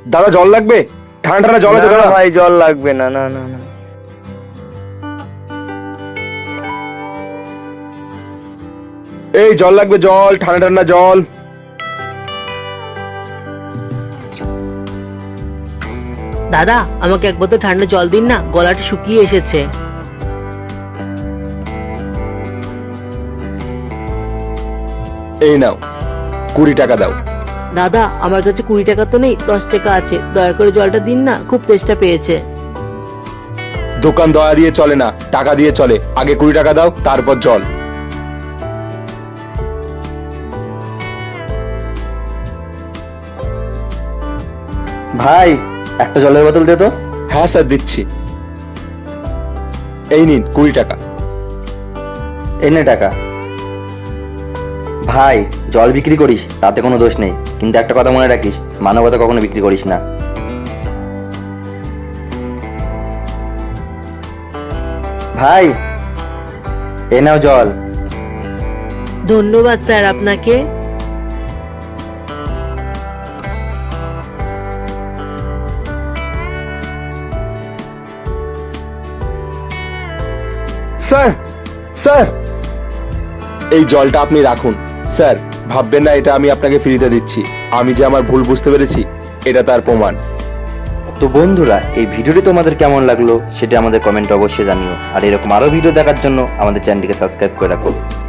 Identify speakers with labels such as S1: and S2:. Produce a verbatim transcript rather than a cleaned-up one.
S1: দাদা জল লাগবে? ঠান্ডা ঠান্ডা জল আছে
S2: না
S1: দাদা?
S2: ভাই জল লাগবে না, না না না।
S1: এই জল লাগবে, জল, ঠান্ডা ঠান্ডা জল।
S3: দাদা আমাকে এক বোতল ঠান্ডা জল দিন না, গলাটা শুকিয়ে এসেছে।
S1: এই নাও, কুড়ি টাকা দাও।
S3: দাদা আমার কাছে কুড়ি টাকা তো নেই, দশ টাকা আছে, দয়া করে জলটা দিন না, খুব তেষ্টা পেয়েছে।
S1: দোকান দয়া দিয়ে চলে না, টাকা দিয়ে চলে। আগে কুড়ি টাকা দাও, তারপর জল।
S2: ভাই একটা জলের বোতল দে তো।
S1: হ্যাঁ স্যার, দিচ্ছি। এই নিন কুড়ি টাকা।
S2: এনে টাকা। ভাই জল বিক্রি করিস তাতে কোনো দোষ নেই, কিন্তু একটা কথা মনে রাখিস, মানবতা কখনো বিক্রি করিস না। ভাই এ নাও জল।
S3: ধন্যবাদ স্যার আপনাকে।
S1: স্যার, স্যার, এই জলটা আপনি রাখুন। স্যার ভাববেন না এটা আমি আপনাকে ফ্রিতে দিচ্ছি। আমি যে আমার ভুল বুঝতে পেরেছি, এটা তার প্রমাণ।
S2: তো বন্ধুরা, এই ভিডিওটি তোমাদের কেমন লাগলো সেটা আমাদের কমেন্টে অবশ্যই জানিও, আর এরকম আরো ভিডিও দেখার জন্য আমাদের চ্যানেলটিকে সাবস্ক্রাইব করে রাখো।